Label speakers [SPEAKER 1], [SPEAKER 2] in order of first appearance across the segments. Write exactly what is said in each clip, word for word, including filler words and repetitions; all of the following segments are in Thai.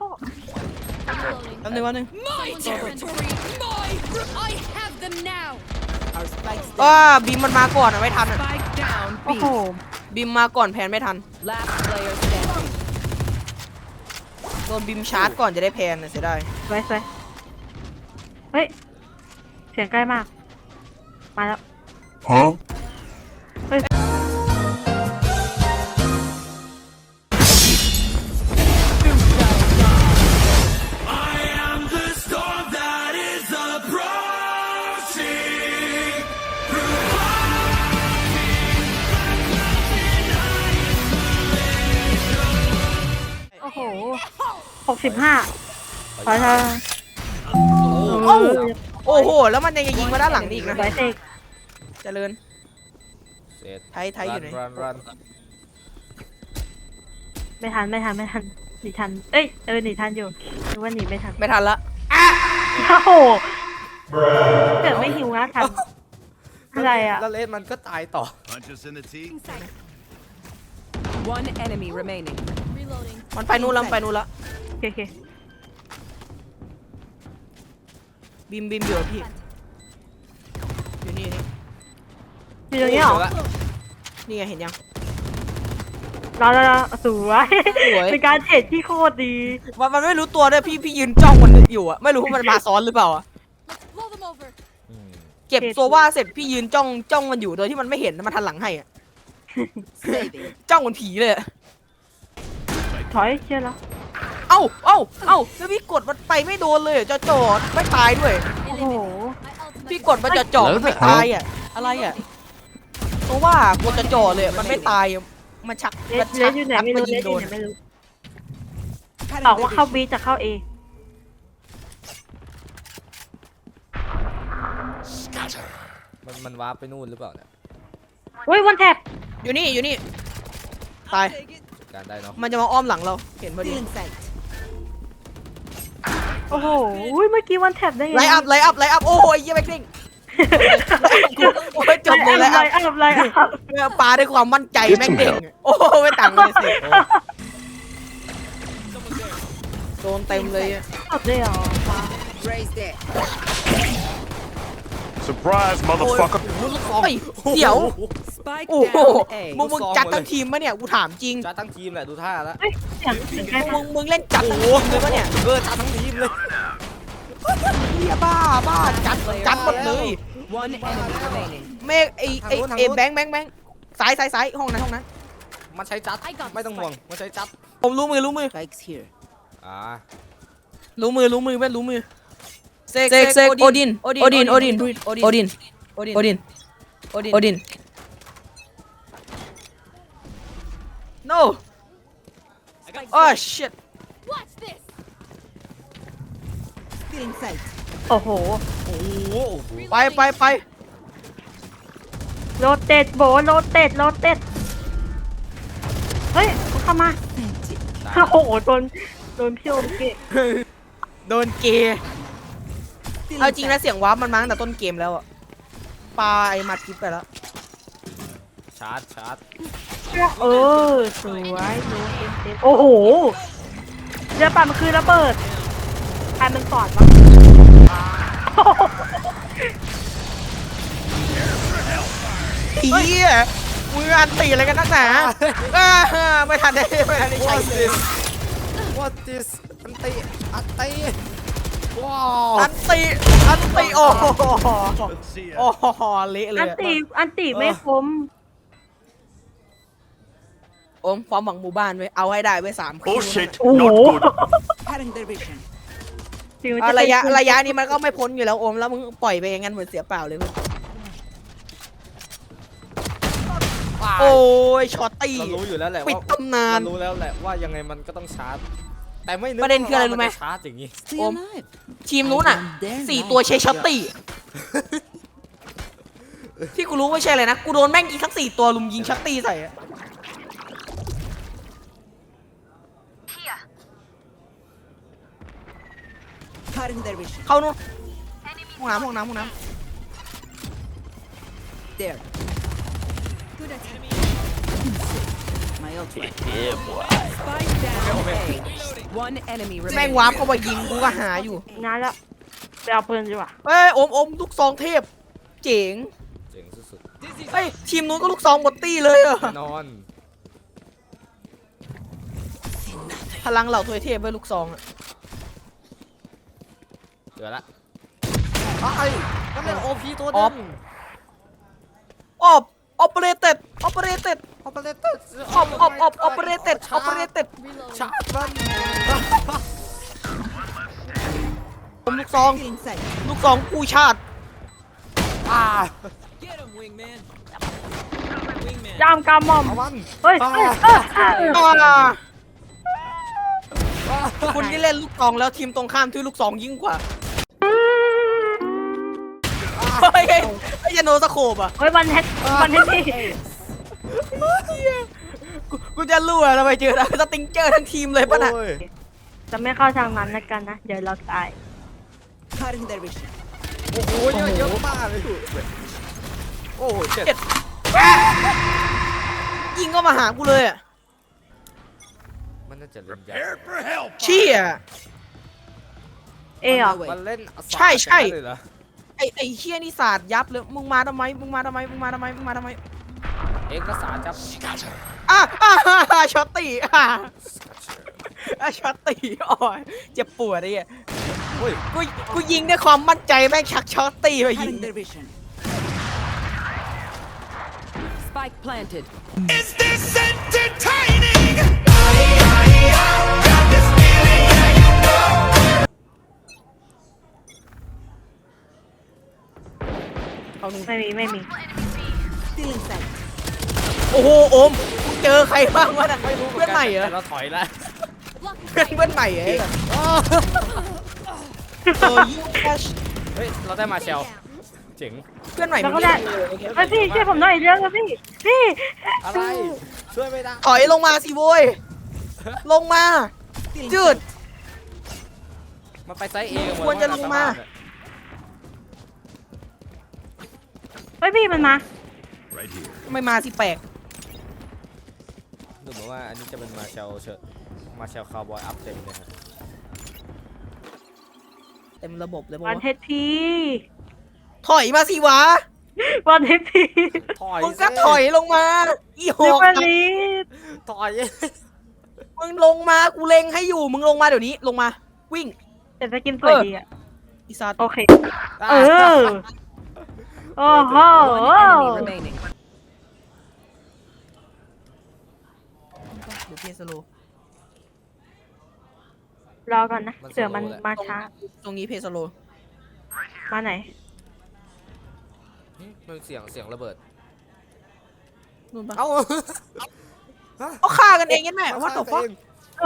[SPEAKER 1] เข้าแป๊บนึ
[SPEAKER 2] Reloading.
[SPEAKER 1] งแป๊บนึง
[SPEAKER 3] My territory. My. I have them now.
[SPEAKER 4] Our spikes
[SPEAKER 1] อ้า
[SPEAKER 4] down.
[SPEAKER 1] บีมมันมาก่อนอะไม่ทันอะ
[SPEAKER 4] Spike down.
[SPEAKER 2] โอ้โห
[SPEAKER 4] B.
[SPEAKER 1] บีมมาก่อนแพนไม่ทัน
[SPEAKER 4] Last player standing.
[SPEAKER 1] โดนบีมชาร์จก่อนจะได้แพนนะเสียดาย
[SPEAKER 2] ไว้ไว้เฮ้ยเสียงใกล้มากมาแล้ว
[SPEAKER 5] Huh?
[SPEAKER 2] เฮ้ย โอ้โหหกสิบห้าขอเธอ
[SPEAKER 1] โอ้โอ้โหแล้วมันยังจะยิงมาด้านหลังนี่อีกนะ
[SPEAKER 2] ไว้เสก
[SPEAKER 1] เจริญ
[SPEAKER 6] เสร็จ
[SPEAKER 1] ไทยไทยอยู่ไหน
[SPEAKER 6] รันรัน
[SPEAKER 2] ไม่ทันไม่ทันไม่ทันหนีทันเอ้ยเออหนีทันอยู่นึกว่าหนีไม่ทัน
[SPEAKER 1] ไม่ทันละ
[SPEAKER 2] โอ้โหเกิดไม่หิวนะทันอะไรอ่ะ
[SPEAKER 6] แล้วเลสมันก็ตายต่อ
[SPEAKER 5] Punch us in the teeth.
[SPEAKER 3] Inside.
[SPEAKER 4] One enemy remaining.
[SPEAKER 3] Reloading.
[SPEAKER 1] มันไปนู่นแล้วมันไปนู่นแล้ว
[SPEAKER 2] โอเคโอเค
[SPEAKER 1] บีมบีมอยู่กับพี่อยู่นี่นี่
[SPEAKER 2] มีตรงนี้เหรอ
[SPEAKER 1] นี่ไงเห็นยัง
[SPEAKER 2] รอรอรอสวย
[SPEAKER 1] สวย
[SPEAKER 2] เป็นการเทรดที่โคตรดี
[SPEAKER 1] มันมันไม่รู้ตัวด้วยพี่พี่ยืนจ้องมันอยู่อะไม่รู้ว่ามันมาซ้อนหรือเปล่าอะ
[SPEAKER 3] Let's blow them over.
[SPEAKER 6] อืม
[SPEAKER 1] เก็บโซว่าเสร็จพี่ยืนจ้องจ้องมันอยู่โดยที่มันไม่เห็นมันทันหลังให้อะ
[SPEAKER 4] Saving.
[SPEAKER 1] จ้องเหมือนผีเลยอะ
[SPEAKER 2] ถอยเชื่อแล้ว
[SPEAKER 1] เอ้าเอ้าเอ้าแล้วพี่กดมันไปไม่โดนเลยจะจอดไม่ตายด้วย
[SPEAKER 2] โอ้โห
[SPEAKER 3] My ultimate.
[SPEAKER 1] พี่กดมันจะจอดมันไม่ตายอะอะไรอะเพราะว่ากดจะจอดเลยมันไม่ตายอะมันชัก
[SPEAKER 2] เล
[SPEAKER 1] มัน
[SPEAKER 2] สเล
[SPEAKER 1] ชั
[SPEAKER 2] สอยู่ไหนไม่
[SPEAKER 1] มั
[SPEAKER 2] รู้
[SPEAKER 1] ยิ
[SPEAKER 2] เล
[SPEAKER 1] ง
[SPEAKER 2] ส
[SPEAKER 1] โด
[SPEAKER 2] อยู่
[SPEAKER 1] น
[SPEAKER 2] ไหนไม่รู้บอกว่าเข้าบีจะเข้าเอ
[SPEAKER 6] มันมันวาร์ปไปนู่นหรือเปล่าเนี่ย
[SPEAKER 2] อุ้ยวันแท็บ
[SPEAKER 1] อยู่นี่อยู่นี่ตาย
[SPEAKER 6] การได้เนาะ
[SPEAKER 1] มันจะมาอ้อมหลังเราเห็นพอดี
[SPEAKER 4] Still in sight.
[SPEAKER 2] โอ้โหอุ้ยเมื่อกี้วันแท็บได้ไง
[SPEAKER 1] ไลอัพไลอัพไลอัพโอ้ยยี่แม็กซิ่งโอ้ยจบเลยไล
[SPEAKER 2] ไล
[SPEAKER 1] อัพ
[SPEAKER 2] อัพไลอัพ
[SPEAKER 1] ปาด้วยความมั่นใจแม่งเด้งโอ้ไม่ต่างเลยสิโดนเต็มเลยอะ
[SPEAKER 2] จบเลยเหรอ
[SPEAKER 4] Raise there.
[SPEAKER 5] Surprise, motherfucker.
[SPEAKER 1] เฮ้ยเดี๋ยว
[SPEAKER 4] Spike
[SPEAKER 1] โอ้โห
[SPEAKER 4] down. A.
[SPEAKER 1] มึงมึงจัดทั้งทีมปะเนี่ยกูถามจริง
[SPEAKER 6] จัดทั้งทีมแหละดูท่าแล้ว
[SPEAKER 2] เฮ้ยเสียงเสียงใกล้
[SPEAKER 1] มึ
[SPEAKER 2] มาก
[SPEAKER 1] งมึงเล่นจัดทั้งทีมเลยปะเนี่ย
[SPEAKER 6] เออจัดทั้งทีมเลย
[SPEAKER 1] เฮียบ้าบ้าจัดจัดหมดเลย
[SPEAKER 4] One enemy remaining.
[SPEAKER 1] เมฆไอไอไอแบงค์แบงค์แบงค์ซ้ายซ้ายซ้ายห้องนั้นห้องนั้น
[SPEAKER 6] มันใช้จัด
[SPEAKER 3] I got
[SPEAKER 6] ไม่ต้องห่วงมันใช้จัด
[SPEAKER 1] ผมรู้มือรู้มือ
[SPEAKER 4] Spikes here.
[SPEAKER 6] อ่า
[SPEAKER 1] รู้มือรู้มือแม่รู้มือเซกเซกโอดินโอดินโอดินโอดินโอดินโอดินโอดินโอดิน no oh shit
[SPEAKER 3] Watch this.
[SPEAKER 4] Still in sight.
[SPEAKER 2] โอ้โห
[SPEAKER 6] โอ้โห
[SPEAKER 1] ไปไปไป
[SPEAKER 2] โรเตตโบโรเตตโรเตตเฮ้ยเข้ามาโอ้โหโดนโดนพี่โอมเกะ
[SPEAKER 1] โดนเกย์เอาจริงนะเสียงวาร์ปมันมาตั้งแต่ต้นเกมแล้วอะปลาไอ้มาทิปไปแล้ว
[SPEAKER 6] ชาร์จชาร์จ
[SPEAKER 2] เออสวยโดนเต็มเต็มโอ้โหเรือปั่นมันคือระเบิดใครมันสอนวะ
[SPEAKER 1] เฮียมืออันตีอะไรกันนักหนาอ่าไม่ทันได้ไม่ทันได้ใช้เลย
[SPEAKER 6] What this อันตีอันตีว้าว
[SPEAKER 1] อันตีอันตีโอ้โห
[SPEAKER 5] Let's see
[SPEAKER 1] โอ้
[SPEAKER 5] ya.
[SPEAKER 1] โหเละเล
[SPEAKER 2] อั
[SPEAKER 1] ย
[SPEAKER 2] น
[SPEAKER 1] อะ
[SPEAKER 2] ตีอันตีไม่คม
[SPEAKER 1] โอมความหวังหมู่บ้านไว้เอาให้ได้ไว้สามคืน
[SPEAKER 5] Bullshit.
[SPEAKER 2] โอ้โห
[SPEAKER 5] Not good.
[SPEAKER 4] Cutting their vision.
[SPEAKER 2] ถึงมัน
[SPEAKER 1] อ่ะ
[SPEAKER 2] จ
[SPEAKER 1] ระยะ
[SPEAKER 2] เป็น
[SPEAKER 1] ระยะนี้มันก็ไม่พ้นอยู่แล้วโอมแล้วมึงปล่อยไปอย่างนั้นเหมือนเสียเปล่าเลยมึงโอ้ยช็อตตี้
[SPEAKER 6] เรารู้อยู่แล้วแหละ
[SPEAKER 1] ปิด
[SPEAKER 6] ว่า
[SPEAKER 1] ตำนาน
[SPEAKER 6] เรารู้แล้วแหละว่ายังไงมันก็ต้องชาร์จ แต่ไม่นึก
[SPEAKER 1] ประเด็นคืออะไรรู้ไหม
[SPEAKER 6] ว่าจชาร์จอย่างนี้
[SPEAKER 4] Stay
[SPEAKER 1] Ôm.
[SPEAKER 4] alive.
[SPEAKER 1] ทีมนู้นอ่ะสี่ตัวเชช็อตตี้ที่กูรู้ไม่ใช่เลยนะกูโดนแม่งยิงทั้งสี่ตัวลุมยิงช็อตตี้ใส่อะ
[SPEAKER 4] Cutting their vision.
[SPEAKER 1] เข้านู้นห้องน้ำห้องน้ำห้องน้
[SPEAKER 4] There.
[SPEAKER 3] Good attack.
[SPEAKER 4] My Spike down A. One enemy
[SPEAKER 1] แม่ง
[SPEAKER 4] remaining.
[SPEAKER 1] วาร์ปเข้ามายิงกูก็หาอยู่
[SPEAKER 2] งานแล้วไปเอาปืนดีกว่า
[SPEAKER 1] เอ้ยอมอมลูกซองเทพ เจ๋ง
[SPEAKER 6] เจ๋งสุด
[SPEAKER 1] เอ้ยทีมนู้นก็ลูกซองหมดตี้เลยอะ
[SPEAKER 6] ๆแน่นอน
[SPEAKER 1] พลังเหล่าทวยเทพไว้ลูกซองอะ
[SPEAKER 6] เจอละไอ้นั่นเป็นโอพีตัวนึง
[SPEAKER 1] ออบออปเปอเรเต็ดออปเปอเรเต็ด
[SPEAKER 6] ออปเปอเรเตอร์
[SPEAKER 1] ออบออบออบออปเปอเรเต็ดออปเปอเรเต็ด
[SPEAKER 6] ชาร์จมัน
[SPEAKER 1] ผมลูกซอง
[SPEAKER 4] In sight.
[SPEAKER 1] ลูกซองกู้ชาติ
[SPEAKER 6] อ่า
[SPEAKER 2] จามกามมอม
[SPEAKER 6] เอามัน
[SPEAKER 2] เฮ้ยเฮ้ยเฮ้ยเฮ้ย
[SPEAKER 1] อ่าคุณที่เล่นลูกซองแล้วทีมตรงข้ามที่ลูกซองยิ่งกว่าเฮ้ยไอ้ยาโนสโคบอ่ะ
[SPEAKER 2] เฮ้ยวันเฮ็ดวันเฮ็ดพี่
[SPEAKER 1] กูกูจะรู้อะทำไมเจอได้สติงเจอร์ทั้งทีมเลยป่ะน่ะ
[SPEAKER 6] โอ้ย
[SPEAKER 2] จะไม่เข้าทางนั้นแล้วกันนะ เดี๋ยวเราตาย
[SPEAKER 4] Cutting their vision.
[SPEAKER 6] โอ้โหเยอะเยอะมากเลยโอ้โหเจ็ด
[SPEAKER 1] ยิงก็มาหากูเลยอ่ะ
[SPEAKER 6] มันน่าจะเล่นยาก
[SPEAKER 5] Prepare for hell.
[SPEAKER 1] เชี่ย
[SPEAKER 2] เอเหรอ
[SPEAKER 6] มันเล่น
[SPEAKER 1] ใช่ใช่
[SPEAKER 6] เลยเหรอ
[SPEAKER 1] ไอไอเฮี้ยนี่สาดยับเลยมึงมาทำไมมึงมาทำไมมึงมาทำไมมึงมาทำไม
[SPEAKER 6] เอกสารจับ
[SPEAKER 1] อ่ะอ่ะอ่ะอ่ะช็อตตีอ่ะอ่ะช็อตตีอ๋อเจ็บปวดไอ้เหี้ย
[SPEAKER 6] โอ้ย
[SPEAKER 1] กูกูยิงด้วยความมั่นใจแม่งชักช็อตตีไปยิง
[SPEAKER 4] Cutting their vision. Spike planted.
[SPEAKER 5] Is this entertaining?
[SPEAKER 1] เอาหนึ่ง
[SPEAKER 2] ไม่มีไม่มี
[SPEAKER 4] Still in sight.
[SPEAKER 1] โอ้โหโอมมึงเจอใครบ้างวะน่ะเพื่อนใหม่เหรอ
[SPEAKER 6] แต่เราถอยแล้ว
[SPEAKER 1] เพื่อนเพื่อนใหม่เหรอเออยูแคช
[SPEAKER 6] เฮ้ยเราได้มาเชลเจ๋ง
[SPEAKER 1] เพื่อนใหม่
[SPEAKER 2] แล้ว
[SPEAKER 1] มึ
[SPEAKER 2] ก็
[SPEAKER 1] ง
[SPEAKER 2] ได้
[SPEAKER 1] เล่นเลยโอเค
[SPEAKER 2] เฮ้ยพี่ช่วยผมหน่อยเรื่องนะพี่ พี่
[SPEAKER 6] อะไรช่วยไม่ได้
[SPEAKER 1] ถอยลงมาสิโว้ยลงมาจืด
[SPEAKER 6] มันไปไซส์เอกันหมด
[SPEAKER 1] ควรจะลงมา
[SPEAKER 2] เฮ้ยพี่มันมา
[SPEAKER 5] Right here.
[SPEAKER 1] ทำไมมาสิแปลก
[SPEAKER 6] ดูเหมือนว่าอันนี้จะเป็นมาเชลเชอร์มาเชลคาวบอยอัพเต็มเลยครับ
[SPEAKER 1] เต็มระบบเลย
[SPEAKER 2] วั
[SPEAKER 1] มั้
[SPEAKER 2] น
[SPEAKER 1] ง
[SPEAKER 2] เฮ็ดพี่
[SPEAKER 1] ถอยมาสิวะ
[SPEAKER 2] วันเฮ็ดพี่
[SPEAKER 6] ถอย
[SPEAKER 1] มึงก็ถอยลงมาอีห
[SPEAKER 2] เดี๋ยว
[SPEAKER 1] อก
[SPEAKER 2] วันนี้
[SPEAKER 6] ถอย
[SPEAKER 1] มึงลงมากูเล็งให้อยู่มึงลงมาเดี๋ยวนี้ลงมาวิ่ง
[SPEAKER 2] แต่สกินสวยดีอ่ะ
[SPEAKER 1] อีสัตว์
[SPEAKER 2] โอเค เออ โอ้โห
[SPEAKER 4] One enemy remaining.
[SPEAKER 1] เดี๋ยวเพสโล
[SPEAKER 2] รอก่อนนะเสือมันมาช้า
[SPEAKER 1] ตรงนี้เพสโล
[SPEAKER 2] มาไหน
[SPEAKER 6] มันเสียงเสียงระเบิด
[SPEAKER 1] นู่นปะ
[SPEAKER 6] เอ้า
[SPEAKER 1] เอาฆ่ากันเองยันแม่ว่าตกฟะ
[SPEAKER 2] โอ้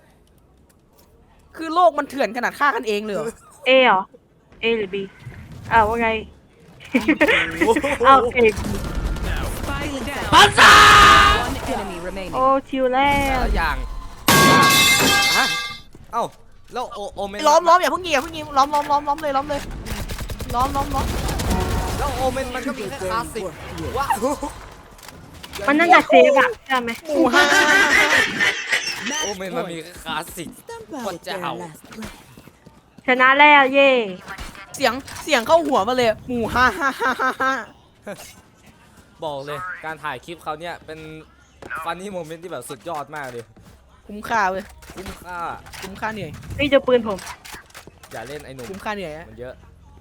[SPEAKER 1] คือโลกมันเถื่อนขนาดฆ่ากันเองเลยเหรอ
[SPEAKER 2] เอเหรอ เอหรือบีอ้าวว่าไง อ้าวเอ
[SPEAKER 4] Spike down. One enemy remaining.
[SPEAKER 2] โอ้ชิวแล้ว
[SPEAKER 6] แต่ละอย่างฮะเอ้าแล้วโอโอเมน
[SPEAKER 1] ล้อมล้อมอย่าเพิ่งยิงอย่าเพิ่งยิงล้อมล้อมล้อมล้อมเลยล้อมเลยล้อมล้อมล้อม
[SPEAKER 6] แล้วโอเมนมันก็มีแค่คลาสสิกว้าว
[SPEAKER 2] มันน่าจะเซฟอะใช่ไหม
[SPEAKER 1] หมู่ห้า
[SPEAKER 6] โอเมนมันมีแค่คลาสสิก
[SPEAKER 4] Stamp
[SPEAKER 6] What
[SPEAKER 4] out
[SPEAKER 6] the
[SPEAKER 4] their
[SPEAKER 6] hell?
[SPEAKER 4] last breath.
[SPEAKER 2] ชนะแล้วเย่
[SPEAKER 1] เสียงเสียงเข้าหัวมาเลยหมู่ห้าห้าห้าห้าห้า
[SPEAKER 6] บอกเลยการถ่ายคลิปเขาเนี่ยเป็นฟันนี่โมเมนต์ที่แบบสุดยอดมากเลย
[SPEAKER 1] คุ้มค่าเว้ย
[SPEAKER 6] คุ้มค่า
[SPEAKER 1] คุ้มค่าเหนื่อย
[SPEAKER 2] นี่จะปืนผม
[SPEAKER 6] อย่าเล่นไอ้หนุ่ม
[SPEAKER 1] คุ้มค่าเหนื่อยอะ
[SPEAKER 6] มันเยอะ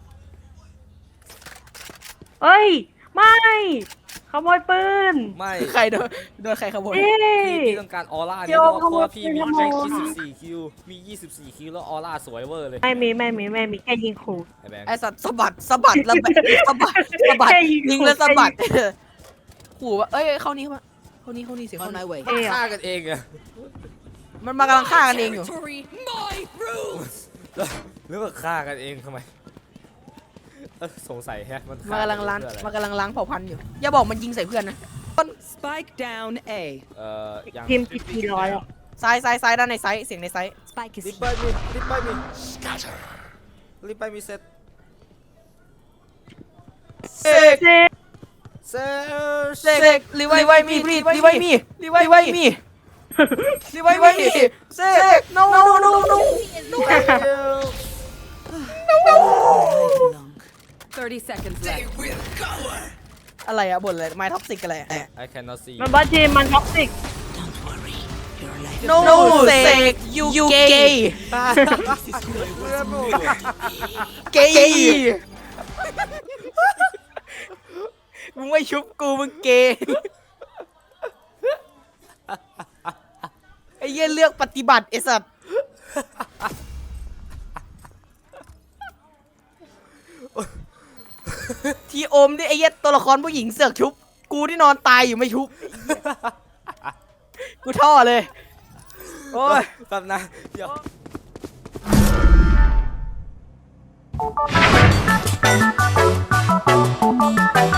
[SPEAKER 2] เอ้ย ไม่ขโมยปืน
[SPEAKER 6] ไม่
[SPEAKER 1] ใครโดนโดนใครขโมย
[SPEAKER 2] เอ้
[SPEAKER 6] พี่
[SPEAKER 2] ย
[SPEAKER 6] พี่ต้องการออร่า
[SPEAKER 2] เดี๋
[SPEAKER 6] เนี่ย
[SPEAKER 2] ยว
[SPEAKER 6] เพราะว่าพี่มี
[SPEAKER 2] ขโม
[SPEAKER 6] แค่
[SPEAKER 2] ย
[SPEAKER 6] ยี่สิบสี่คิวมียี่สิบสี่คิวแล้วออร่าสวยเวอร์เลย
[SPEAKER 2] ไม่มีไม่มีไม่มีแค่ยิงขู่
[SPEAKER 6] ไอ้แบงค์
[SPEAKER 1] ไอสัตว์สะบัดสะบัดแล้วแบบสะบัดสะบัด
[SPEAKER 2] แค่ยิง
[SPEAKER 1] ยิงแล้ว
[SPEAKER 2] ขู่
[SPEAKER 1] สะบัดขู่ว่าเอ้ยเข้านี้เข้ามาเข้านี้เข้านี้เสียง
[SPEAKER 4] On
[SPEAKER 1] เข้า
[SPEAKER 4] my
[SPEAKER 1] นี้
[SPEAKER 4] way.
[SPEAKER 2] เอ้ย
[SPEAKER 6] ฆ่ากันเองอะ
[SPEAKER 1] มันมากำลังฆ่ากันเองอยู่
[SPEAKER 3] Territory, my rules.
[SPEAKER 6] แล้วหรือว่าฆ่ากันเองทำไมเอ้อสงสัยแฮะมัน
[SPEAKER 1] มันกำลังล้าง
[SPEAKER 6] เพื่ออะไร
[SPEAKER 1] มันกำลังล้างเผ่าพันธุ์อยู่อย่าบอกมันยิงใส่เพื่อนนะ
[SPEAKER 4] Spike down A.
[SPEAKER 6] เอ่อยัง
[SPEAKER 2] ทีมจีทีร้อยอะ
[SPEAKER 1] ซ้ายซ้ายซ้ายด้านในไซส์เสียงในไซส์
[SPEAKER 4] Spike is
[SPEAKER 6] รีบไปมีรีบไปมีรีบไปมีเซต
[SPEAKER 1] เสก
[SPEAKER 2] เซฟ
[SPEAKER 6] เซ
[SPEAKER 1] เสกรีไวไวมีรีรีไวมีรีไวไวมีรีไวไว้เซก no no no no no
[SPEAKER 4] thirty seconds left.
[SPEAKER 1] อะไรอะบ่นอะไรไม้ท็อกซิกอะไร
[SPEAKER 6] I cannot see
[SPEAKER 2] มันบ้าจีมมันท็อกซิก
[SPEAKER 1] no no เซก you you gay gay มึงไม่ชุบกูมึงเกย์ไอ้เหี้ยเลือกปฏิบัติไอ้สัตว์ทีโอมดิไอ้เหี้ยตัวละครผู้หญิงเสือกชุบกูที่นอนตายอยู่ไม่ชุบกูท่อเลยโอ้ย
[SPEAKER 6] แป๊บนะเดี๋ยว